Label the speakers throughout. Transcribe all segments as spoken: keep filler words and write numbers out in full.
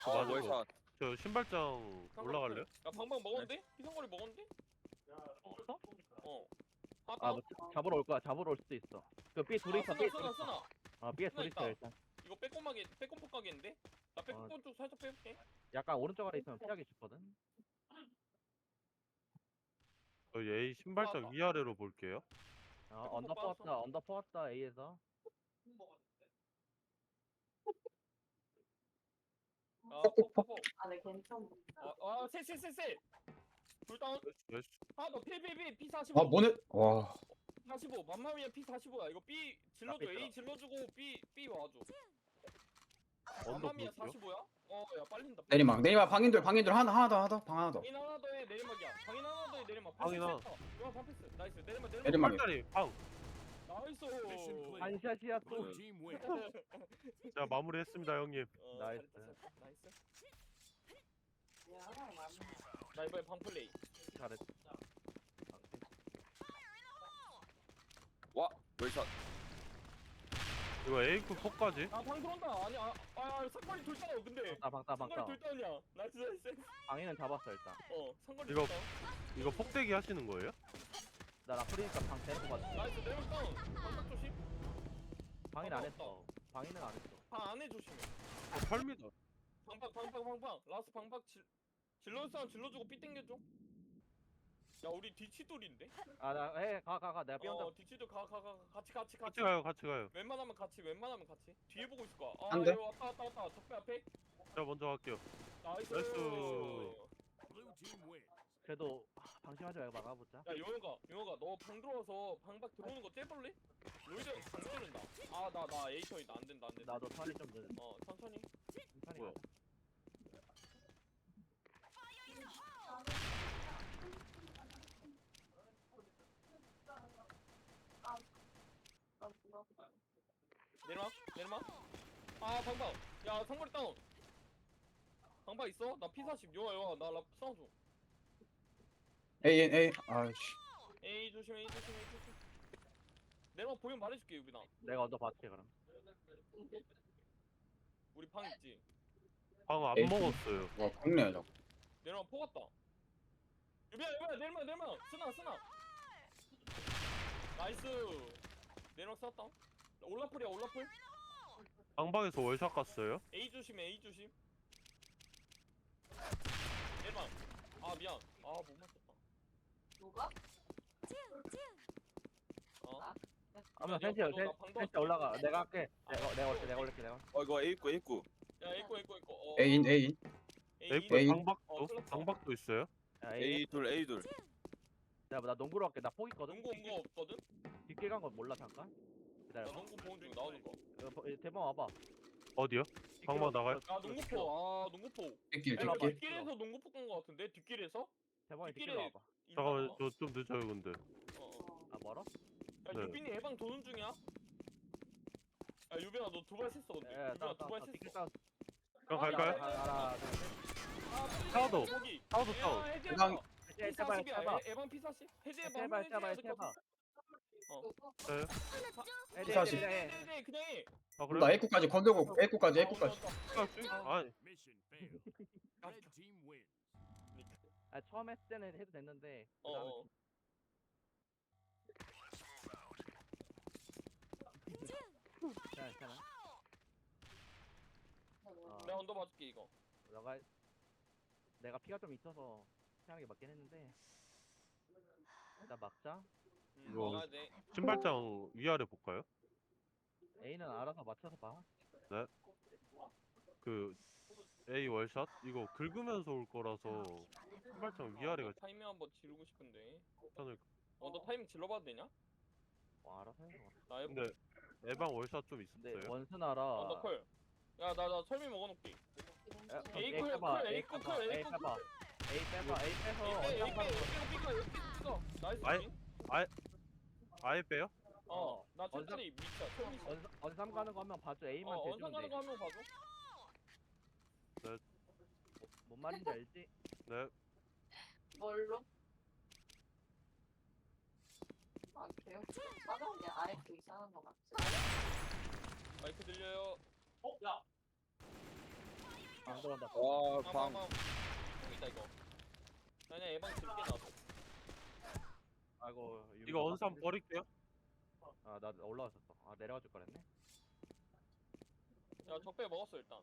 Speaker 1: 어,
Speaker 2: 맞아.
Speaker 1: 월샷.
Speaker 2: 저 신발장 올라갈래요?
Speaker 3: 야 방방 먹었는데? 피상거리 먹었는데?
Speaker 4: 먹었어?
Speaker 3: 어. 아,
Speaker 4: 아, 뭐 잡으러 올 거야. 잡으러 올 수도 있어. 그 B 둘이
Speaker 3: 아,
Speaker 4: 있어.
Speaker 3: 쓰나
Speaker 4: B 둘이
Speaker 3: 쓰나
Speaker 4: 있어.
Speaker 3: 쓰나.
Speaker 4: 아, B에
Speaker 3: 쓰나
Speaker 4: 둘이
Speaker 3: 있다.
Speaker 4: 있어 일단.
Speaker 3: 이거 빼꼼하게 빼꼼 폭가겠는데? 나 빼꼼
Speaker 4: 어.
Speaker 3: 쪽 살짝 빼볼게.
Speaker 4: 약간 오른쪽 아래 있으면 피하기 쉽거든.
Speaker 2: 저희 A 신발장 위아래로 볼게요.
Speaker 4: 어,
Speaker 3: 조금
Speaker 4: 언더
Speaker 3: 빠졌어.
Speaker 4: 퍼왔다. 언더 퍼왔다 A에서.
Speaker 3: 아, 폭폭폭.
Speaker 5: 아, 네, 괜찮아.
Speaker 3: 아, 아, 셋셋셋셋. 둘 다운.
Speaker 2: 나이스.
Speaker 3: 아, 너 P P P P 사십오.
Speaker 6: 아 뭐네? 와
Speaker 3: 사십오. 맘마미아 P 사십오야. 이거 B 질러줘.
Speaker 4: 앞에
Speaker 3: A
Speaker 4: 있더라.
Speaker 3: 질러주고 B B 와줘.
Speaker 2: 언더
Speaker 3: 맘마미아
Speaker 2: 볼게요.
Speaker 3: 사십오야? 어, 야 빨린다.
Speaker 6: 내리막 내리막 방인들 방인들 하나 하나 더 하나 더 방 하나 더
Speaker 3: 방인 하나 더해 내리막이야. 방인 하나 더해 내리막.
Speaker 2: 방인 하나.
Speaker 3: 이거 반패스. 나이스. 내리막 내리막.
Speaker 6: 내리막.
Speaker 2: 팔다리 방.
Speaker 3: 나이스.
Speaker 4: 한샷이야 또.
Speaker 2: 자 마무리했습니다 형님.
Speaker 3: 어,
Speaker 4: 나이스.
Speaker 3: 잘했어. 나이스.
Speaker 5: 야, 맞네.
Speaker 3: 나 이번에 방 플레이.
Speaker 4: 잘했어.
Speaker 1: 와, 월샷.
Speaker 2: 이거 A급 폭까지.
Speaker 3: 아, 방 들어온다. 아니, 아, 아, 상거리 둘 다운. 근데
Speaker 4: 방따 방따
Speaker 3: 상거리
Speaker 4: 방따.
Speaker 3: 둘 다운이야. 나이스 나이스.
Speaker 4: 방위는 잡았어 일단.
Speaker 3: 어, 상거리
Speaker 2: 이거-
Speaker 3: 둘 다운.
Speaker 2: 이거 폭대기 하시는 거예요?
Speaker 4: 나 라프리니까 방 데리고 가자.
Speaker 3: 나이스 내리막 다운. 방박 조심.
Speaker 4: 방위는 안 했어. 방위는 안 했어.
Speaker 3: 방 안에 조심해.
Speaker 2: 어, 팔미터.
Speaker 3: 방박 방박 방박. 라스 방박 질 질러 사람 질러주고 삐 땡겨줘. 야, 우리 뒤치돌인데?
Speaker 4: 아나해가 가 가 내가 B 혼자.
Speaker 3: 어, 뒤치돌 가 가 가 같이 같이
Speaker 2: 같이 가요 같이 가요.
Speaker 3: 웬만하면 같이 웬만하면 같이 뒤에 보고 있을 거야. 아,
Speaker 6: 안 돼?
Speaker 3: 이거 왔다 왔다 왔다. 적배 앞에.
Speaker 2: 자 먼저 갈게요.
Speaker 3: 나이스.
Speaker 2: 나이스.
Speaker 4: 그래도 아, 방심하지 말고 막아보자.
Speaker 3: 야, 용호가 용호가 너 방 들어와서 방박 들어오는 거 째볼래? 로이드 방 째는다. 아, 나 나 에이턴이다. 안 된다 안 된다.
Speaker 4: 나도 턴이 좀 늦.
Speaker 3: 어, 천천히.
Speaker 4: 천천히
Speaker 2: 뭐야?
Speaker 4: 가자.
Speaker 3: 내려와 내려와. 아, 방박. 야, 상거리 다운. 방박 있어? 나 피 사십. 요아 요아 나랍 싸워줘.
Speaker 6: A N A 아씨
Speaker 3: 에이 조심 에이 조심 에이 조심. 내려와 보면 말해줄게 유빈아.
Speaker 4: 내가 언더 받게 그럼.
Speaker 3: 우리 방 있지.
Speaker 2: 방 안
Speaker 6: 에이.
Speaker 2: 먹었어요.
Speaker 6: 와 국내야 저거
Speaker 3: 내려와 포갔다. 유빈아 유빈아 내려와 내려와. 쓰나 쓰나. 나이스. 내려와 쐈다. 올라플이야 올라플.
Speaker 2: 방방에서 월샷 갔어요.
Speaker 3: A 조심 A 조심. 내려와. 아 미안. 아 못 맞췄다.
Speaker 5: 누가?
Speaker 3: 어.
Speaker 4: 아마
Speaker 3: 야,
Speaker 4: 센치
Speaker 3: 너, 나 방금
Speaker 4: 센치 올라가. 내가 할게. 내가 내가 올게 내가 올게 내가.
Speaker 1: 어, 이거 A 입구, A 입구.
Speaker 3: 야 에이코 에이코 에이코. 어.
Speaker 6: A N A
Speaker 3: A.
Speaker 2: A
Speaker 6: A.
Speaker 2: 방박도
Speaker 3: 어, 클럽.
Speaker 2: 방박도 있어요.
Speaker 4: 야, A.
Speaker 1: A 둘, A 둘.
Speaker 4: 내가 나 농구로 할게. 나 포 있거든.
Speaker 3: 농구 온거 없거든?
Speaker 4: 뒷길 간 건 몰라 잠깐.
Speaker 3: 나
Speaker 4: 기다려.
Speaker 3: 농구 보는 중 나오는 거.
Speaker 4: 대박 와봐.
Speaker 2: 어디요? 방방 나가요?
Speaker 3: 아 농구포. 아 농구포.
Speaker 6: 뒷길
Speaker 3: 야,
Speaker 6: 뒷길
Speaker 3: 뒷길에서 농구포 깐거 같은데? 뒷길에서?
Speaker 4: 대박이 뒷길
Speaker 3: 뒷길에-
Speaker 4: 와봐.
Speaker 2: 잠깐만
Speaker 3: 있나 봐.
Speaker 2: 저 좀 늦어요 근데.
Speaker 3: 어, 어.
Speaker 4: 아 멀어?
Speaker 3: 야
Speaker 2: 네.
Speaker 3: 유빈이 해방 도는 중이야? 야 유빈아 너 두 발 셌어 근데.
Speaker 4: 야,
Speaker 3: 유빈아 두 발
Speaker 4: 따 뒷길
Speaker 3: 셌어.
Speaker 4: 따.
Speaker 2: 그럼
Speaker 3: 아,
Speaker 2: 갈까요?
Speaker 3: 야, 야,
Speaker 4: 하나 둘.
Speaker 3: 아
Speaker 2: 사우도.
Speaker 3: 거기.
Speaker 2: 사우도
Speaker 3: 야
Speaker 2: 사우.
Speaker 3: 해제
Speaker 6: 해방.
Speaker 3: 해방.
Speaker 4: 제발
Speaker 3: 피 사십이야.
Speaker 4: 제발.
Speaker 3: 에- 에방 피 사십. 해제 해방.
Speaker 4: 제발
Speaker 3: 해제
Speaker 4: 제발
Speaker 3: 해야 될것
Speaker 4: 제발.
Speaker 3: 같아. 어.
Speaker 2: 네.
Speaker 4: 해제
Speaker 6: 피 사십.
Speaker 4: 해제,
Speaker 3: 네,
Speaker 4: 해제.
Speaker 3: 네, 네, 그냥 해.
Speaker 2: 아
Speaker 6: 나
Speaker 2: 그래?
Speaker 6: A구까지 건들고 A구까지
Speaker 3: 아,
Speaker 6: A구까지
Speaker 3: 온다, 온다.
Speaker 2: 아니
Speaker 7: Mission failed. Red team wins.
Speaker 4: 아 처음 했을 때는 해도 됐는데.
Speaker 3: 어,
Speaker 4: 그다음에
Speaker 3: 어.
Speaker 4: 괜찮아 괜찮아. 어,
Speaker 3: 내가 언더 봐줄게 이거.
Speaker 4: 너가 내가 피가 좀 있어서 태양하게 맞긴 했는데. 일단 막자.
Speaker 3: 음,
Speaker 2: 이거-
Speaker 3: 막아야 돼.
Speaker 2: 신발장 위아래 볼까요?
Speaker 4: A는 알아서 맞춰서 봐.
Speaker 2: 그 A 월샷 이거 긁으면서 올 거라서 신발장 위아래가
Speaker 3: 타이밍 한번 지르고 싶은데.
Speaker 2: 괜찮을.
Speaker 3: 언더 타이밍 질러봐도 되냐?
Speaker 4: 어, 알아서 해.
Speaker 3: 나 해보.
Speaker 2: 근데 에방 월샷 좀
Speaker 4: 근데
Speaker 2: 있었어요.
Speaker 4: 원순 알아.
Speaker 3: 언더 컬. 야 나 나 설미 먹어놓게.
Speaker 4: 야,
Speaker 3: A
Speaker 4: A
Speaker 3: 콜,
Speaker 4: 빼봐.
Speaker 3: 콜,
Speaker 4: A
Speaker 3: A 콜,
Speaker 4: 빼봐.
Speaker 3: 콜, A
Speaker 4: A
Speaker 3: 콜,
Speaker 4: 빼봐. A 빼봐. A 빼서
Speaker 3: 에이
Speaker 4: 언더
Speaker 3: 에이
Speaker 4: 가는 거.
Speaker 3: 에이 삐까 에이 삐까 나이스.
Speaker 2: 아이,
Speaker 3: 진.
Speaker 2: 아예 빼요?
Speaker 3: 어. 나
Speaker 4: 언더-
Speaker 3: 천천히 미쳐. 천천히.
Speaker 4: 언 언삼 가는 거 한 명 봐줘. A만
Speaker 3: 어
Speaker 4: 대주면
Speaker 3: 언상 가는
Speaker 4: 돼.
Speaker 3: 거 한 명 봐줘.
Speaker 4: 뭔 말인지 알지?
Speaker 2: 네.
Speaker 5: 뭘로? 아, 그래요? 사람이 아예 그 이상한 거 같지?
Speaker 3: 마이크 들려요.
Speaker 4: 아 방 들어온다.
Speaker 1: 와,
Speaker 3: 방,
Speaker 1: 방.
Speaker 3: 방. 이쪽이다, 이거. 나 그냥 예방 들게 놔둬.
Speaker 4: 아이고. 유미
Speaker 2: 이거
Speaker 4: 너무
Speaker 2: 언삼
Speaker 4: 빡센데?
Speaker 2: 버릴게요.
Speaker 4: 아, 나 올라왔었어. 아, 내려가 줄 거랬네.
Speaker 3: 야, 적배 먹었어, 일단.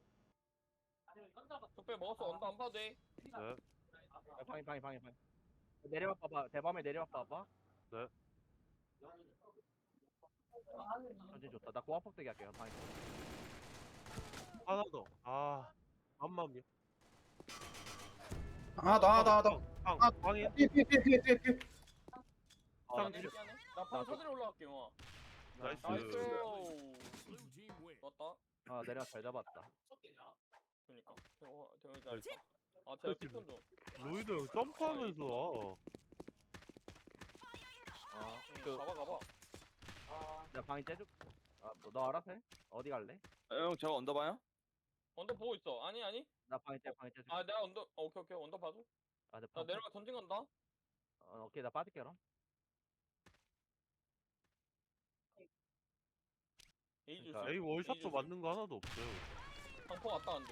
Speaker 3: 적배 먹었어, 언더 안 봐도 돼.
Speaker 2: 네.
Speaker 4: 야, 방이 방이 방이 방이. 내려와 봐봐. 대밤에 내려와 봐봐.
Speaker 2: 네.
Speaker 4: 전진 좋다. 나 고압폭대기 할게요. 방이.
Speaker 2: 하나 더. 아, 맘맘이.
Speaker 6: 하나 더 하나 더 하나 더.
Speaker 2: 방,
Speaker 6: 아,
Speaker 2: 방에.
Speaker 6: 삐삐삐삐삐.
Speaker 4: 아,
Speaker 3: 나
Speaker 4: 나
Speaker 3: 내리게 하네. 나방 사들이 올라갈게, 영아.
Speaker 2: 나이스.
Speaker 3: 나이스.
Speaker 7: Blue team wins.
Speaker 3: 맞다.
Speaker 4: 아, 내려와 잘 잡았다.
Speaker 3: 그니까. 어, 대형이 잘했다. 아, 제가 피턴 좀.
Speaker 2: 로이드 형 점프하면서 와.
Speaker 4: 아,
Speaker 3: 응,
Speaker 4: 그,
Speaker 3: 가봐, 가봐.
Speaker 4: 나 방이 째줄. 아, 너, 너 알아서 해? 어디 갈래?
Speaker 1: 형, 저거 언더 봐요?
Speaker 3: 언더 보고 있어. 아니, 아니.
Speaker 4: 나 방이 째, 방이 째줄.
Speaker 3: 아, 내가 언더, 어, 오케이, 오케이. 언더 봐줘.
Speaker 4: 아, 내
Speaker 3: 나
Speaker 4: 방.
Speaker 3: 내려가 전진 간다.
Speaker 4: 어, 오케이, 나 빠질게 그럼.
Speaker 3: 에이 조심.
Speaker 4: 그러니까
Speaker 2: A 월샷도
Speaker 3: 조심.
Speaker 2: 맞는 거 하나도 없어요.
Speaker 3: 방포 왔다 안 돼.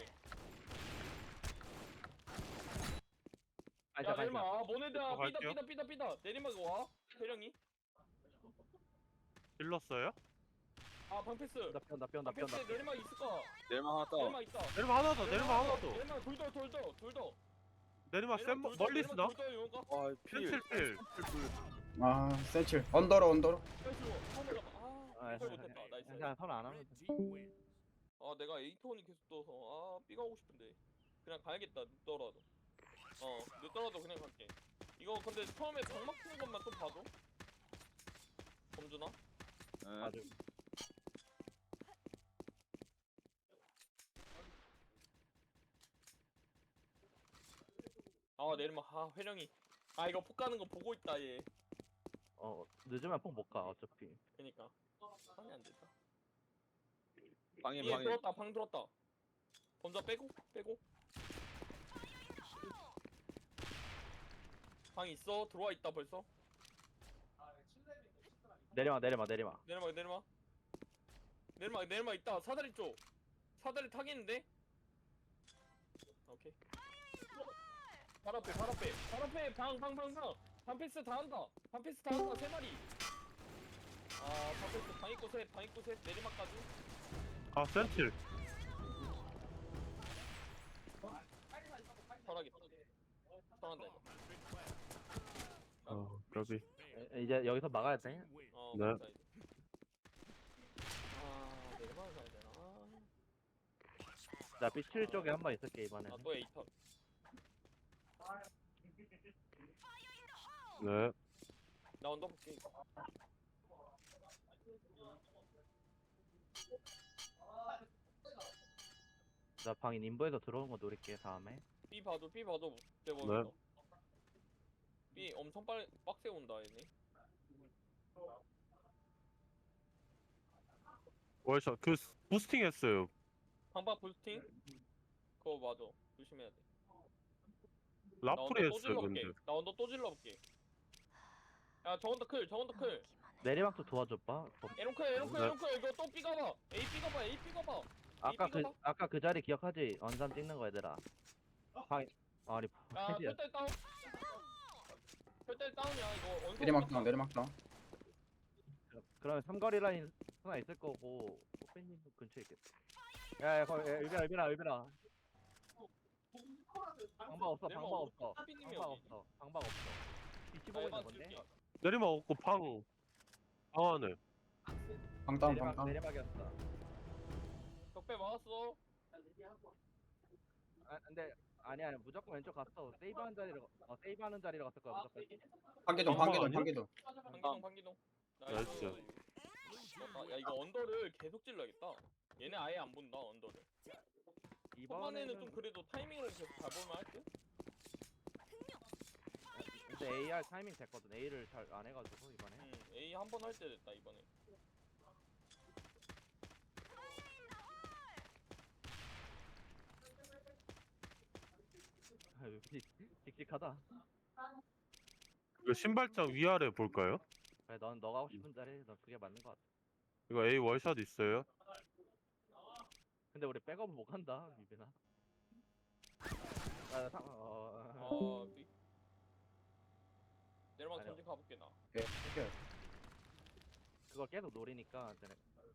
Speaker 4: 아니,
Speaker 3: 야,
Speaker 4: 잠깐,
Speaker 3: 내리막.
Speaker 4: 잠깐.
Speaker 3: 아, 모네드야.
Speaker 2: 저
Speaker 3: 삐다,
Speaker 2: 갈게요.
Speaker 3: 삐다, 삐다, 삐다. 내리막 와. 태령이.
Speaker 2: 찔렀어요?
Speaker 3: 아, 방패스.
Speaker 4: 나 뼈다, 뼈다,
Speaker 3: 방패스
Speaker 4: 뼈다.
Speaker 3: 내리막 있을까?
Speaker 1: 내일만 하나 떠.
Speaker 3: 내리막 있다.
Speaker 2: 내리막 하나 더, 내리막 하나 더.
Speaker 3: 내리막 둘 더, 둘 더, 둘 더.
Speaker 2: 내리막 센
Speaker 3: 둘 더,
Speaker 2: 멀리
Speaker 3: 내리막
Speaker 2: 쓰나?
Speaker 3: 둘 더, 용가.
Speaker 1: 와, 필.
Speaker 2: 필, 필.
Speaker 6: 아, 센칠. 언더로 언더로.
Speaker 3: 나이스. 처음 올라가. 아,
Speaker 4: 아,
Speaker 3: 이걸 못했다. 나이스.
Speaker 4: 그냥 선안 하면
Speaker 7: Red
Speaker 4: 돼.
Speaker 7: team wins.
Speaker 3: 아, 내가 에이톤이 계속 떠서 아, 삐가 오고 싶은데. 그냥 가야겠다. 늦더라도. 어, 늦더라도 그냥 갈게. 이거 근데 처음에 장막 푸는 것만 좀 봐줘. 범준아.
Speaker 1: 네.
Speaker 4: 맞아.
Speaker 3: 아, 내리막. 아, 회령이. 아, 이거 폭 가는 거 보고 있다 얘.
Speaker 4: 어, 늦으면 폭 못 가, 어차피.
Speaker 3: 그니까. 방이 안 된다.
Speaker 1: 방에,
Speaker 3: 얘
Speaker 1: 방에.
Speaker 3: 들었다. 방 들었다. 범자 빼고, 빼고. 방 있어. 들어와 있다 벌써.
Speaker 4: 내려와, 내려와, 내려와.
Speaker 3: 내리막, 내리막. 내리막, 내리막 있다. 사다리 쪽. 사다리 타겠는데? 오케이. 발 앞에, 발 앞에, 발 앞에, 방, 방, 방, 방. 방패스 다 한다. 방패스 다 한다. 세 마리. 아, 방패스 방 있고 셋, 방 있고 셋. 내리막까지.
Speaker 2: 아, 센틸.
Speaker 3: 털하겠다. 털한다 이거.
Speaker 2: 어, 여기.
Speaker 4: 에, 이제 여기서 막아야 돼.
Speaker 7: Team wins.
Speaker 3: 어,
Speaker 2: 네.
Speaker 3: 맞다 이제. 아, 내리막 가야 되나?
Speaker 4: 나 비 칠 쪽에 한 번 있을게, 이번에.
Speaker 3: 아, 또 에이턴.
Speaker 2: 네.
Speaker 3: 나 언더 볼게.
Speaker 4: 나 방인 인부에서 들어오는 거 노릴게, 다음에.
Speaker 3: B 봐도 B 봐도 내
Speaker 2: 네.
Speaker 3: 보면서. B 엄청 빨리 빡세 온다 얘네.
Speaker 2: 월샷. 그 스- 부스팅 했어요.
Speaker 3: 방박 부스팅? 그거 맞아. 조심해야 돼. 나 언더
Speaker 2: 라프리
Speaker 3: 또
Speaker 2: 했어요,
Speaker 3: 질러볼게.
Speaker 2: 근데.
Speaker 3: 나 언더 또 질러볼게. 야, 저 언더 클, 저 언더 클.
Speaker 4: 내리막도 도와줘봐. 어,
Speaker 3: 에롱 클, 에롱 클,
Speaker 2: 네.
Speaker 3: 에롱 클. 이거 또 B 가봐. A B 가봐, A B 가봐.
Speaker 4: 아까 그,
Speaker 3: 이거다?
Speaker 4: 아까 그 자리 기억하지? 언산 찍는 거, 얘들아. 방, 아니,
Speaker 3: 야,
Speaker 4: 헤지야.
Speaker 3: 펼달 다운. 펼달 다운이야 이거. 원소
Speaker 6: 내리막 다운 내리막 다운.
Speaker 4: 그러면 삼거리 라인 하나 있을 거고, 호팬님 근처에 있겠다. 야, 야, 거기, 야, 의빈아, 의빈아, 의빈아. 방박 없어,
Speaker 3: 내리막
Speaker 4: 방박
Speaker 3: 오른쪽
Speaker 4: 없어.
Speaker 3: 삐님이
Speaker 4: 방박
Speaker 3: 여기.
Speaker 4: 없어, 방박 없어. 뒤치
Speaker 3: 나
Speaker 4: 보고 있는
Speaker 3: 에반
Speaker 4: 건데?
Speaker 3: 줄게.
Speaker 2: 내리막 없고 방. 방 안에.
Speaker 6: 방 다운 방
Speaker 4: 내리막,
Speaker 6: 다운.
Speaker 4: 내리막이었어.
Speaker 3: 적배 막았어.
Speaker 4: 아, 근데, 아니야, 아니야, 무조건 왼쪽 갔어. 세이브하는 자리로, 어, 세이브하는 자리로 갔을 거야, 무조건.
Speaker 6: 방개동
Speaker 2: 방방
Speaker 6: 방개동
Speaker 2: 아니야?
Speaker 6: 방개동.
Speaker 3: 방기동, 방기동.
Speaker 2: 나이스.
Speaker 3: 맞다. 야, 이거 언더를 계속 찔러야겠다. 얘네 아예 안 본다 언더를. 초반에는 좀
Speaker 4: 이번에는,
Speaker 3: 그래도 타이밍을 계속 잘 볼만 할 듯?
Speaker 4: 근데 에이알 타이밍 됐거든. A를 잘 안 해가지고, 이번에.
Speaker 3: 응, A 한 번 할 때 됐다 이번에.
Speaker 4: 아유, 직- 직직하다.
Speaker 2: 이거 신발장 위아래 볼까요?
Speaker 4: 그래, 넌 너가 하고 싶은 자리, 넌 그게 맞는 것 같아.
Speaker 2: 이거 A 월샷 있어요?
Speaker 4: 근데 우리 백업을 못 간다, 유빈아. 아, 상, 어,
Speaker 3: 아 삐. 내려막
Speaker 4: 아니요.
Speaker 3: 전진 가볼게 나.
Speaker 6: 오케이 오케이.
Speaker 4: 그걸 계속 노리니까 쟤네.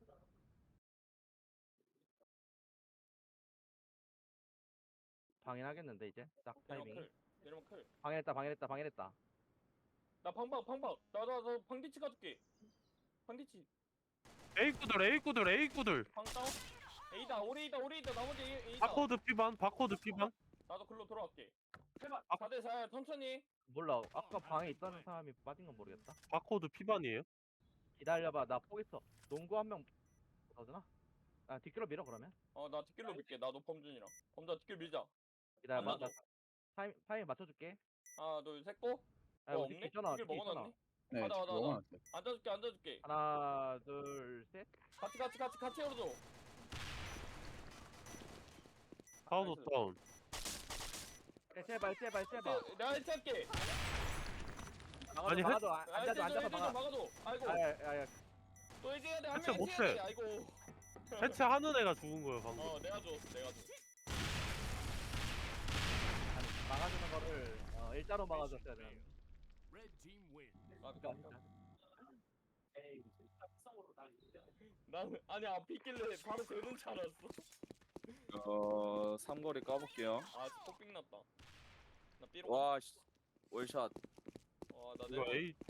Speaker 4: 방해하겠는데 이제 딱
Speaker 3: 내려막
Speaker 4: 타이밍이.
Speaker 3: 클. 내려막 클.
Speaker 4: 방해했다, 방해했다, 방해했다.
Speaker 3: 나 방방 방방. 나나나 방디치 가줄게. 방디치.
Speaker 2: A 구들 A 구들 A 구들.
Speaker 3: 방 다운. A다 오레이다 오레이다 나머지 A- A다.
Speaker 2: 바코드 피반 바코드 피반.
Speaker 3: 나도 글로 돌아갈게. 해봐.
Speaker 2: 아.
Speaker 3: 사 대 사 천천히.
Speaker 4: 몰라. 아까 방에 있던 사람이 빠진 건 모르겠다.
Speaker 2: 바코드 피반이에요.
Speaker 4: 기다려봐. 나 포 있어. 농구 한 명 더주나? 아 뒷길로 밀어 그러면.
Speaker 3: 어 나 뒷길로 밀게. 나도 범준이랑. 범준아 뒷길 밀자.
Speaker 4: 기다려봐.
Speaker 3: 안
Speaker 4: 나
Speaker 3: 놔줘.
Speaker 4: 타임 타임 맞춰줄게.
Speaker 3: 하나 둘셋 고.
Speaker 4: 아
Speaker 3: 뭐
Speaker 4: 우리
Speaker 3: 없네?
Speaker 4: 있잖아.
Speaker 3: 뒷길
Speaker 4: 뒷길 있잖아.
Speaker 3: 먹어놨네.
Speaker 6: 네
Speaker 3: 가자,
Speaker 6: 지금
Speaker 3: 가자,
Speaker 6: 먹어놨어요.
Speaker 3: 앉아줄게 앉아줄게.
Speaker 4: 하나, 둘, 셋.
Speaker 3: 같이 같이 같이 같이 열어줘.
Speaker 2: 다운
Speaker 3: 나이스.
Speaker 2: 다운.
Speaker 4: 에, 제발, 제발, 제발.
Speaker 3: 세- 내가 해체할게.
Speaker 4: 막아줘,
Speaker 2: 아니,
Speaker 4: 막아줘. 아,
Speaker 3: 아,
Speaker 4: 앉아서,
Speaker 3: 해체 좀
Speaker 4: 앉아서
Speaker 3: 해체 좀
Speaker 4: 막아.
Speaker 3: 막아줘. 아이고
Speaker 4: 아, 야, 야,
Speaker 3: 또 해제해야 돼. 한
Speaker 2: 해체
Speaker 3: 명
Speaker 2: 못해.
Speaker 3: 해체해야 돼. 아이고.
Speaker 2: 해체하는 애가 죽은 거예요 방금.
Speaker 3: 어 내가 줬어 내가 줬어.
Speaker 4: 아니, 막아주는 거를 어, 일자로 막아줬어야 돼.
Speaker 7: Red team win.
Speaker 3: 아,
Speaker 4: 그러니까.
Speaker 3: 난 아니 앞에 있길래 바로 되는 줄 알았어.
Speaker 1: 어 삼거리 까볼게요.
Speaker 3: 아 폭빙 났다. 나 삐로.
Speaker 1: 와 씨, 월샷.
Speaker 3: 와나
Speaker 2: 이거
Speaker 3: 내가
Speaker 2: A.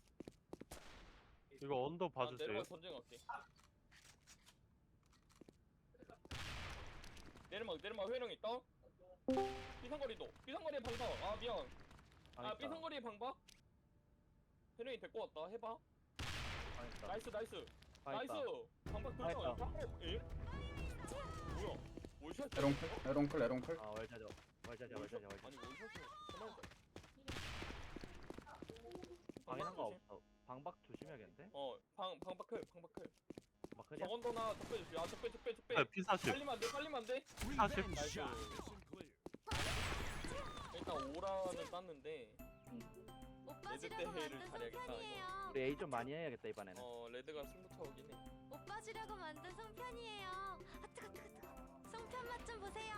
Speaker 2: 이거 언더 봐주세요.
Speaker 3: 내려가 전쟁 갈게. 내리막 내리막 회령 있다. 삐상거리도 삐상거리에 방방. 아 미안. 아 삐상거리에 방방. 회령이 데리고 왔다. 해봐. 나이스 나이스 나이스. 방방
Speaker 4: 다
Speaker 3: 돌려.
Speaker 4: 했다.
Speaker 3: 방방. 에? 뭐야? 월샷.
Speaker 6: 에롱클 에롱클 에롱클.
Speaker 4: 아 월자죠. 월자죠, 월자죠, 월자.
Speaker 3: 아니 월샷이 그만하자.
Speaker 4: 방해한 거 없어. 방박 조심해야겠는데?
Speaker 3: 어방 방박클 방박클.
Speaker 4: 막 그냥
Speaker 3: 정원도나 적배 조심. 아 적배 적배 적배.
Speaker 2: 네, P 사십.
Speaker 3: 빨리면 안 돼. 빨리면 안 돼.
Speaker 2: 사십.
Speaker 3: 나이스.
Speaker 7: Mission clear.
Speaker 3: 일단 오라는 땄는데
Speaker 8: 오빠
Speaker 3: 레드
Speaker 8: 주려고
Speaker 3: 대회를
Speaker 8: 만든
Speaker 3: 잘해야겠다,
Speaker 8: 송편이에요.
Speaker 4: 우리 A 좀 많이 해야겠다 이번에는.
Speaker 3: 어 레드가 승부차오긴 해.
Speaker 8: 오빠 주려고 만든 송편이에요. 아 뜨거 뜨거 뜨거. 송편 맛 좀 보세요.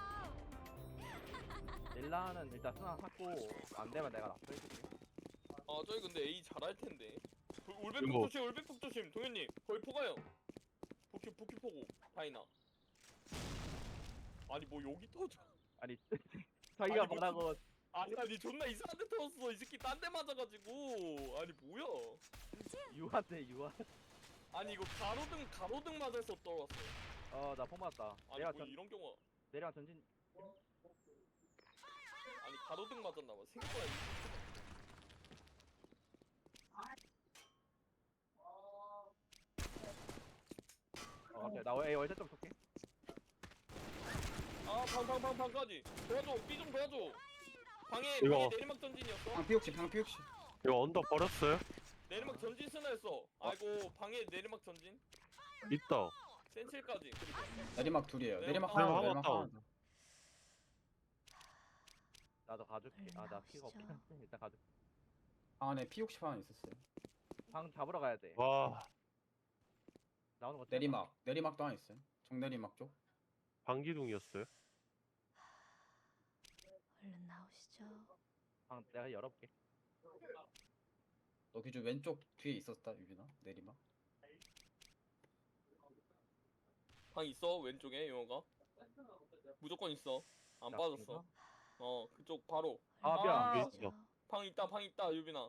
Speaker 4: 릴라는 일단 수나 샀고 안 되면 내가 납부 해줄게.
Speaker 3: 아 저희 근데 A 잘할 텐데. 그 올백폭
Speaker 2: 이거.
Speaker 3: 조심 올백폭 조심. 동현님 거의 포가요. 부키 부키 포고 다이나. 아니 뭐 여기 터져.
Speaker 4: 아니 자기가
Speaker 3: 아니, 뭐
Speaker 4: 뭐라고
Speaker 3: 아니 아니 존나 이상한 데 터졌어. 이 새끼 딴 데 맞아가지고. 아니 뭐야?
Speaker 4: 유한데 유한.
Speaker 3: 아니 이거 가로등 가로등 맞아서 떨어졌어.
Speaker 4: 어나 폼 맞았다.
Speaker 3: 아니
Speaker 4: 내가
Speaker 3: 뭐
Speaker 4: 전
Speaker 3: 이런 경우.
Speaker 4: 내랑 전진
Speaker 3: 아니 가로등 맞았나봐. 생각보다.
Speaker 4: 어 갑자기 나 A 월자 좀 쏠게.
Speaker 3: 아방방방 방까지 도와줘. B 좀 도와줘. 방에
Speaker 2: 이거.
Speaker 3: 방에 내리막 전진이었어.
Speaker 6: 방 피옥시 방 피옥시.
Speaker 2: 이거 언더 버렸어요?
Speaker 3: 내리막 전진 스나였어. 아이고 방에 내리막 전진.
Speaker 2: 있다.
Speaker 3: 센칠까지. 그리고
Speaker 6: 내리막 둘이에요.
Speaker 3: 네,
Speaker 6: 내리막
Speaker 3: 아,
Speaker 6: 하나
Speaker 2: 하나
Speaker 6: 내리막
Speaker 2: 다운.
Speaker 6: 하나. 더.
Speaker 4: 나도 가줄게. 아 나 피가 없긴 한데 일단 가줄게.
Speaker 6: 방 안에 피옥시 방 있었어요.
Speaker 4: 방 잡으러 가야 돼.
Speaker 2: 와
Speaker 4: 나오는 거
Speaker 6: 내리막 내리막도 하나 있어요. 정내리막 쪽.
Speaker 2: 방기둥이었어요.
Speaker 8: 얼른 나오시죠.
Speaker 4: 방 내가 열어볼게.
Speaker 6: 너 기준 왼쪽 뒤에 있었다 유빈아. 내리막.
Speaker 3: 방 있어 왼쪽에 영어가. 무조건 있어. 안
Speaker 4: 나
Speaker 3: 빠졌어.
Speaker 4: 이거?
Speaker 3: 어 그쪽 바로.
Speaker 4: 아 미안.
Speaker 3: 아.
Speaker 2: 여기 있어.
Speaker 3: 방 있다 방 있다 유빈아.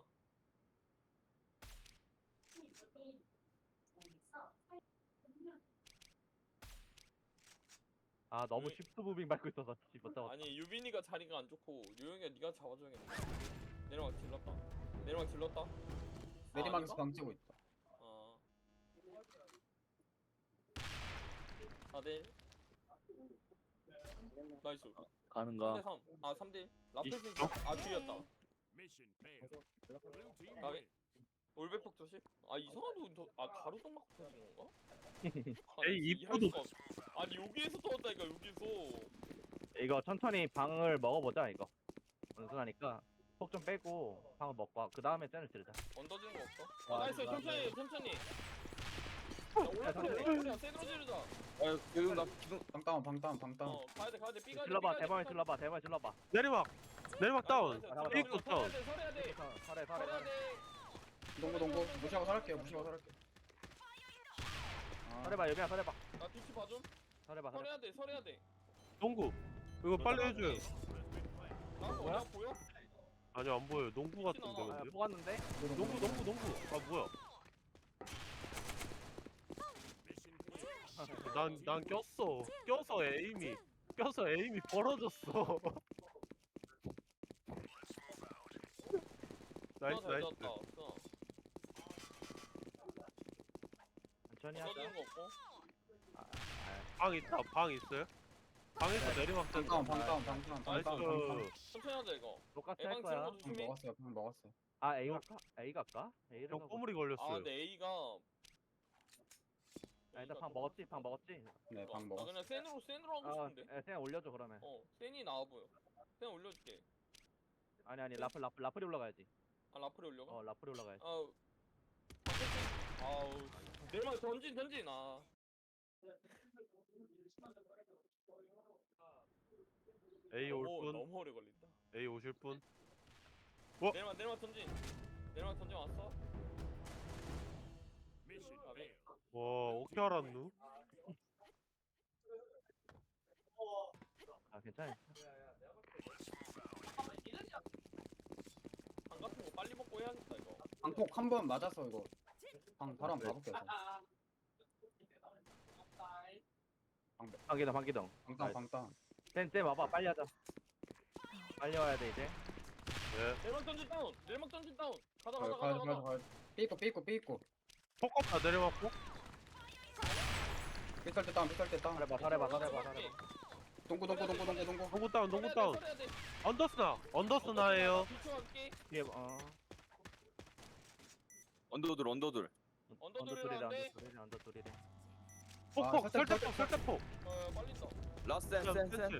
Speaker 4: 아 너무
Speaker 3: 왜?
Speaker 4: 쉽트 무빙 밟고 있어서 집 못 잡았다.
Speaker 3: 아니 유빈이가 자리가 안 좋고 요영이가 네가 잡아줘야겠네. 내리막 질렀다. 내리막 질렀다.
Speaker 6: 내리막에서
Speaker 3: 아,
Speaker 6: 방 찌고 있다.
Speaker 3: 아. 사 대 일. 나이스.
Speaker 1: 가는가?
Speaker 3: 삼 대 삼. 아 삼 대 일. 라플스
Speaker 2: 있어?
Speaker 3: 아 뒤였다.
Speaker 7: Mission failed. Blue team
Speaker 3: 아,
Speaker 7: win.
Speaker 3: 올백폭 조심. 아 이상한 돈 아 가로등 맞고 터진 건가?
Speaker 2: 에이,
Speaker 3: 아니,
Speaker 2: 입구도-
Speaker 3: 이해할 수가 없- 아니 여기에서 터졌다니까 여기서.
Speaker 4: 이거 천천히 방을 먹어보자 이거. 원순하니까 폭 좀 빼고 방을 먹고 그 다음에 쟤를 지르자.
Speaker 3: 얹어지는 거 없어?
Speaker 4: 아,
Speaker 3: 아 나이스
Speaker 4: 나-
Speaker 3: 천천히 천천히. 올라프리야 올라프리야 세드로 지르자.
Speaker 1: 아 기둥 나 기둥
Speaker 6: 방다운 방다운 방다운.
Speaker 3: 어 가야돼 가야돼 삐가
Speaker 4: 질러봐 대박에 질러봐 대박에 질러봐
Speaker 2: 내리막 내리막 다운. 삐꾸 다운.
Speaker 3: 설해야 돼
Speaker 4: 설해 설해
Speaker 3: 설해야
Speaker 4: 설해
Speaker 3: 돼.
Speaker 6: 동고 동고 무시하고 살할게요. 무시하고 살할게. 아,
Speaker 4: 설해봐 여비야 설해봐
Speaker 3: 나 뒤치 봐줌.
Speaker 4: 설해봐 설해
Speaker 3: 설해야 돼 설해야 돼.
Speaker 2: 농구. 이거 빨리 해줘요.
Speaker 3: 나 뭐야 보여?
Speaker 2: 아니 안 보여요. 농구 같은데
Speaker 3: 나와.
Speaker 4: 아
Speaker 2: 근데.
Speaker 4: 뽑았는데
Speaker 2: 농구 농구 농구. 아 뭐야?
Speaker 7: Mission clear.
Speaker 2: 난 난 꼈어. 껴서 에임이 껴서 에임이 벌어졌어. 나이스
Speaker 3: 잘
Speaker 2: 나이스.
Speaker 3: 졌다. 어.
Speaker 4: 천천히 하자
Speaker 3: 써주는 거 없고.
Speaker 2: 방 있다. 방 있어요? 방에서 내리막
Speaker 6: 방다운
Speaker 2: 던져.
Speaker 6: 방다운 방다운
Speaker 2: 나이스.
Speaker 6: 방다운 방다운.
Speaker 3: 천천히 하자 이거.
Speaker 4: 똑같이 할
Speaker 3: 에방
Speaker 4: 거야
Speaker 3: 치는 거
Speaker 6: 방
Speaker 3: 조심해.
Speaker 6: 먹었어요. 방 먹었어요.
Speaker 4: 아 A 갈까? A 갈까? A를
Speaker 2: 형
Speaker 4: 가고
Speaker 2: 꼬물이
Speaker 3: 아
Speaker 2: 걸렸어요.
Speaker 3: 근데 A가.
Speaker 4: 아 일단 방 먹었지 방 먹었지
Speaker 6: 네,
Speaker 3: 어,
Speaker 6: 방
Speaker 3: 나
Speaker 6: 먹었어.
Speaker 3: 그냥 센으로 센으로 하고
Speaker 4: 아
Speaker 3: 싶은데.
Speaker 4: 에, 그냥 올려줘 그러면
Speaker 3: 어 센이 나와 보여. 센 올려줄게.
Speaker 4: 아니 아니 라플 라플 라플이 올라가야지
Speaker 3: 아 라프리 올려가?
Speaker 4: 어 라플이 올라가야지
Speaker 3: 아우. 아우. 내일만 던진 던진 아.
Speaker 2: A 올
Speaker 3: 너무,
Speaker 2: 분.
Speaker 3: 너무 오래 걸린다.
Speaker 2: A 오실 분.
Speaker 3: 내일만 내일만 던진. 내일만 던진 왔어?
Speaker 7: Mission
Speaker 3: 아, 네.
Speaker 7: failed.
Speaker 2: 와 어떻게 알았누?
Speaker 4: 아 괜찮아
Speaker 3: 방 같은 거 빨리 먹고 해야겠다 이거.
Speaker 6: 방폭 한 번 맞아서 이거 방 바로 한번 가볼게요. 저.
Speaker 4: 방기동 방기동
Speaker 6: 방다운 방다운.
Speaker 4: 쌤쌤 와봐 빨리 하자 빨리 와야 돼 이제
Speaker 2: 네.
Speaker 3: 내일만 던진 다운. 내일만 던진 다운. 가자
Speaker 6: 가야
Speaker 3: 가자
Speaker 6: 가야
Speaker 3: 가자
Speaker 6: 가야
Speaker 3: 가자.
Speaker 6: 가야. 삐고 삐고 삐고.
Speaker 2: 폭 내리막 폭.
Speaker 6: 삐설 때 다운 삐설 때 다운.
Speaker 4: 설해봐 설해봐 설해봐 설해봐
Speaker 6: 동고 동고 동고 동고 동고.
Speaker 2: 농구 다운 농구 다운. 언더스나 언더스나예요.
Speaker 3: 비춰갈게.
Speaker 4: 뒤에 어
Speaker 1: 언더들 언더들
Speaker 3: 언더들이라는데.
Speaker 4: 언더돌이래 언더돌이래
Speaker 2: 폭폭
Speaker 6: 아,
Speaker 2: 설대폭
Speaker 6: 설대,
Speaker 2: 설대폭.
Speaker 3: 어 빨린다.
Speaker 1: 라스트 센센센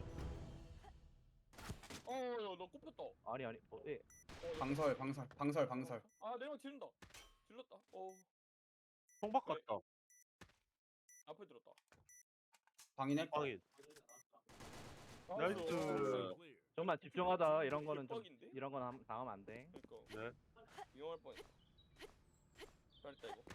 Speaker 3: 어너 꼽혔다.
Speaker 4: 아니 아니 어, 예.
Speaker 3: 어,
Speaker 6: 방설 방설 방설 방설.
Speaker 3: 아 내일만 지른다. 질렀다. 어
Speaker 2: 통박 같다.
Speaker 3: 앞에 들었다.
Speaker 6: 방인했.
Speaker 2: 방인.
Speaker 3: 아,
Speaker 2: 나이스.
Speaker 3: 어,
Speaker 7: Clear.
Speaker 4: 좀만 집중하자 이런 거는 좀
Speaker 3: 빡인데?
Speaker 4: 이런 건 함- 당하면 안돼
Speaker 3: 그니까
Speaker 2: 네.
Speaker 3: 위험할 뻔했다. 잘했다 이거.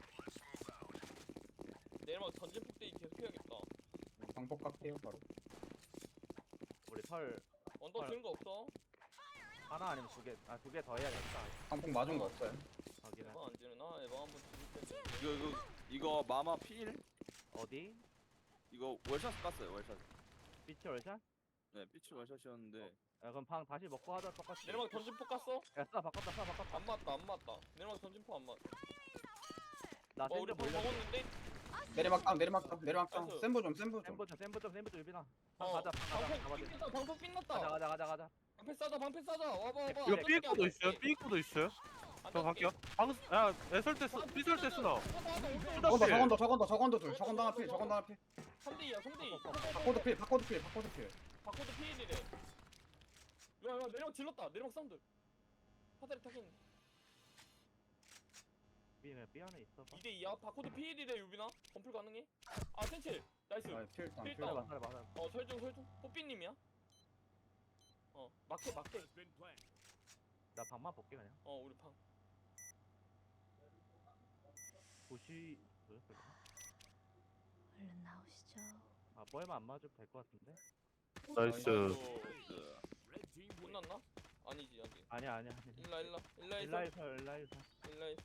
Speaker 3: 내일만 던진 폭대기 계속 해야겠다.
Speaker 6: 방폭 깎게요 바로.
Speaker 4: 우리 설
Speaker 3: 언더
Speaker 4: 헐.
Speaker 3: 지른 거 없어?
Speaker 4: 하나 아니면 두개아두 개 더 해야겠다
Speaker 6: 방폭 맞은 거 없어요.
Speaker 4: 확인해
Speaker 3: 에방 안 지르나? 에방 한번 지를 텐데.
Speaker 1: 이거 이거 이거 마마 필
Speaker 4: 어디?
Speaker 1: 이거 월샷 깠어요 월샷
Speaker 4: 비치 월샷?
Speaker 1: 네 피치 월샷이었는데
Speaker 4: 야 그럼 방 다시 먹고 하자 똑같이
Speaker 3: 내일만 던진 폭 깠어?
Speaker 4: 야 쏴 바꿨다 쏴 바꿨다
Speaker 3: 안 맞다 안 맞다. 내일만 던진 폭 안 맞.
Speaker 4: 나
Speaker 3: 어 우리
Speaker 4: 센터
Speaker 3: 폭
Speaker 4: 몰려
Speaker 3: 먹었는데?
Speaker 6: 내리막 다운 내리막 다운 내리막 다운.
Speaker 3: 나이스.
Speaker 6: 센부 좀 센부 좀.
Speaker 4: 센터 좀 센터 좀 센터 좀 유빈아 방
Speaker 3: 어
Speaker 4: 가자 방 가자
Speaker 3: 방폭
Speaker 4: 가자
Speaker 3: 삐났다 방폭 삐났다.
Speaker 4: 가자 가자 가자 가자
Speaker 3: 방패 싸자 방패 싸자 와봐 와봐.
Speaker 2: 이거
Speaker 3: 앉아줄게,
Speaker 2: 삐꾸도 있어요.
Speaker 3: 앉아줄게.
Speaker 2: 삐꾸도 있어요. 저
Speaker 3: 앉아줄게.
Speaker 2: 갈게요. 방, 야, 애설 때 쓰,
Speaker 3: 아,
Speaker 2: 삐설 때 쓰나.
Speaker 3: 하자, 하자, 하자, 오케이.
Speaker 2: 삐-
Speaker 6: 저건더 저건더 저건더 저건더 둘. 저건더 하나 필 저건더 하나 필.
Speaker 3: 삼 대 이야 삼 대 이.
Speaker 6: 바코드 필 바코드 필 바코드 필.
Speaker 3: 바코드 피일이래. 야야 내리막 질렀다. 내리막 사운드. 화살이 타긴.
Speaker 4: 유빈아 삐 안에 있어봐
Speaker 3: 이 대 이야. 바코드 피일이래 유빈아. 검풀 가능해? 아 센칠. 나이스.
Speaker 6: 아, 필 다운 필
Speaker 3: 필 다운.
Speaker 6: 다운.
Speaker 4: 설해봐 설해봐
Speaker 3: 어 설중 설중. 뽀삐님이야. 어 마켓 마켓.
Speaker 7: Has been planted.
Speaker 4: 나 방만 볼게 그냥
Speaker 3: 어 우리 방.
Speaker 4: 보시 뭐였어 이거?
Speaker 8: 얼른 나오시죠.
Speaker 4: 아 뽀에만 안 맞아도 될 것 같은데?
Speaker 2: 나이스.
Speaker 3: 어,
Speaker 7: Red team wins.
Speaker 3: 끝났나? 아니지 아직.
Speaker 4: 아니야 아니야 아니야
Speaker 3: 일라 일라 일라 일라
Speaker 4: 일라이설 일라이설
Speaker 3: 일라 일라.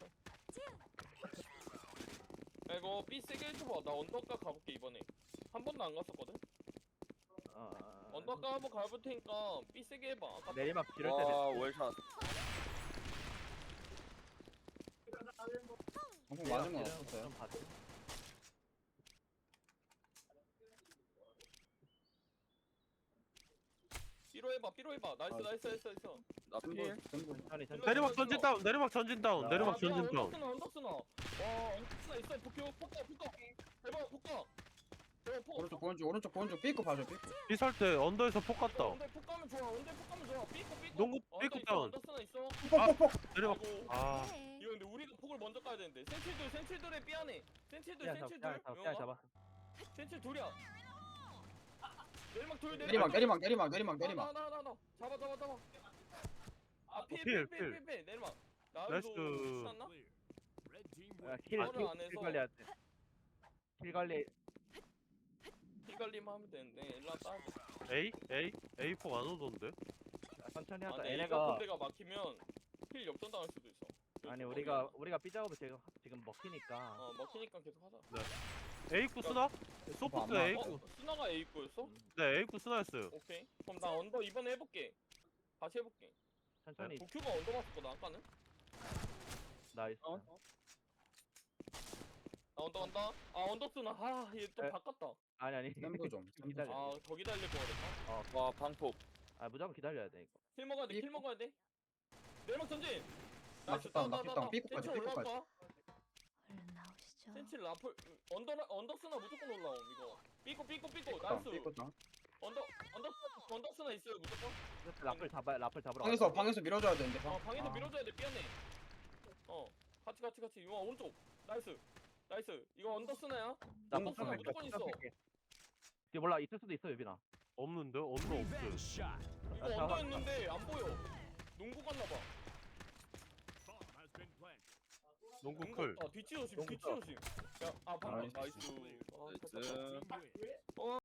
Speaker 3: 야 이거 B 세게 해줘봐. 나 언더가 가볼게 이번에. 한 번도 안 갔었거든.
Speaker 4: 어, 어, 어.
Speaker 3: 언더가 한번 가볼 테니까 B 세게 해봐. 아까
Speaker 4: 내리막 지를 때
Speaker 1: 와 월샷
Speaker 6: 방폭 맞은 건
Speaker 4: 지르는 거
Speaker 6: 없었어요.
Speaker 4: 좀 봐줘.
Speaker 3: B로 해봐 B로 해봐. 나이스
Speaker 6: 아,
Speaker 3: 나이스 나이스 나이스.
Speaker 1: 나필
Speaker 6: 센부 센부.
Speaker 4: 천천히 천천히
Speaker 2: 내리막 전진 다운. 내리막 전진 다운.
Speaker 4: 아,
Speaker 2: 내리막
Speaker 3: 야,
Speaker 2: 전진 다운.
Speaker 3: 언덕스나 언덕스나. 와 언덕스나 있어. 폭격 폭격 폭격. 대박 폭격. 대박 폭.
Speaker 6: 오른쪽 보른쪽 오른쪽 보른쪽 삐고 봐줘 삐고.
Speaker 2: 삐설 때 언더에서 폭 갔다.
Speaker 3: 언덕 폭 가면 좋아. 언덕 폭 가면 좋아. 삐고 삐고.
Speaker 2: 농구
Speaker 3: 어,
Speaker 2: 삐꾸
Speaker 3: 언덕 있어,
Speaker 2: 다운.
Speaker 3: 언덕스나 있어.
Speaker 2: 내리막.
Speaker 3: 아이고.
Speaker 2: 아,
Speaker 8: 네.
Speaker 3: 이거 근데 우리가 폭을 먼저 가야 되는데. 센칠들 센칠들의 삐안해. 센칠 둘
Speaker 4: 삐안 잡아
Speaker 3: 센칠
Speaker 4: 삐안
Speaker 3: 둘
Speaker 4: 잡아 삐안
Speaker 3: 용아
Speaker 4: 잡아.
Speaker 3: 센칠 둘이야 내리막 둘
Speaker 6: 내리막 내리막 내리막 내리막 내리막.
Speaker 3: 나나나나 잡아 잡아 잡아
Speaker 2: 어, 필, 필.
Speaker 3: 아필필필필 내리막
Speaker 2: 나이스.
Speaker 3: 나도 쐈나?
Speaker 7: Clear. Red team
Speaker 4: 야,
Speaker 7: wins.
Speaker 4: 킬,
Speaker 3: 바로
Speaker 4: 킬,
Speaker 3: 안에서.
Speaker 4: 킬 관리해야 돼. 킬 관리.
Speaker 3: 피 관리만 하면 되는데 일라 따야 돼
Speaker 2: A? A? 에이포 안 오던데?
Speaker 4: 야, 천천히
Speaker 3: 아,
Speaker 4: 하자.
Speaker 3: 근데 이거
Speaker 4: 얘네가
Speaker 3: 군대가 막히면 필 역전 당할 수도 있어
Speaker 4: 아니
Speaker 3: 그래서
Speaker 4: 우리가
Speaker 3: 거기,
Speaker 4: 우리가 삐 작업을 지금 지금 먹히니까.
Speaker 3: 어 먹히니까 계속 하자
Speaker 2: A구 쓰나? 소프트
Speaker 6: 안 나와.
Speaker 2: A구.
Speaker 3: 어? 스나가 A구였어?
Speaker 2: 네, A구 쓰나였어요.
Speaker 3: 오케이 그럼 나 언더 이번에 해볼게 다시 해볼게
Speaker 4: 천천히.
Speaker 3: 도큐가 언더 봤었거든 아까는
Speaker 4: 나이스.
Speaker 1: 어?
Speaker 3: 나 언더 간다 아 언더 쓰나 아얘 또
Speaker 4: 에.
Speaker 3: 바꿨다
Speaker 4: 아니 아니.
Speaker 6: 샘도 좀. 샘도
Speaker 4: 기다려.
Speaker 6: 좀.
Speaker 3: 아 더 기다릴 거 그랬나?
Speaker 1: 와 방폭.
Speaker 4: 아 무조건 기다려야 돼 이거.
Speaker 3: 킬 먹어야 돼킬 먹어야 돼 내리막 전진 나이스
Speaker 6: 낙다운,
Speaker 3: 따, 따,
Speaker 6: 낙다운,
Speaker 3: 따.
Speaker 6: 삐꾸까지,
Speaker 3: 센치 올라올
Speaker 6: 삐꾸까지.
Speaker 3: 거야.
Speaker 8: 얼른 나오시죠.
Speaker 3: 센치 라플 언더 언더 쓰나 무조건 올라옴 이거 삐꾸 삐꾸 삐꾸
Speaker 6: 삐끗다,
Speaker 3: 나이스
Speaker 6: 삐끗다.
Speaker 3: 언더 언더 쓰나- 언더 쓰나 있어요 무조건
Speaker 4: 라플 잡아 라플 잡으러.
Speaker 6: 방에서
Speaker 4: 가자.
Speaker 6: 방에서 밀어줘야 되는데.
Speaker 3: 어 방에서
Speaker 6: 아.
Speaker 3: 밀어줘야 돼 삐안네 어 같이 같이 같이 이거 오른쪽 나이스 나이스 이거 언더 쓰나야
Speaker 4: 나
Speaker 3: 언더
Speaker 4: 폭탄
Speaker 3: 쓰나
Speaker 4: 뺄게,
Speaker 3: 무조건 있어
Speaker 4: 폭탄 뺄게. 이게 몰라 있을 수도 있어 유빈아.
Speaker 2: 없는데? 언더
Speaker 7: Revenge
Speaker 2: 없어.
Speaker 7: shot.
Speaker 3: 이거
Speaker 4: 아, 잡아.
Speaker 3: 언더였는데 안 보여 농구 갔나봐
Speaker 7: Bomb has been planted.
Speaker 2: 농구
Speaker 3: 농구
Speaker 2: 클.
Speaker 3: 아 뒤치 조심
Speaker 4: 농구
Speaker 3: 뒤치
Speaker 4: 컷.
Speaker 3: 조심 야아 방금
Speaker 6: 나이스.
Speaker 3: 나이스 아,
Speaker 1: 나이스.
Speaker 3: 좋다.
Speaker 7: Team wins.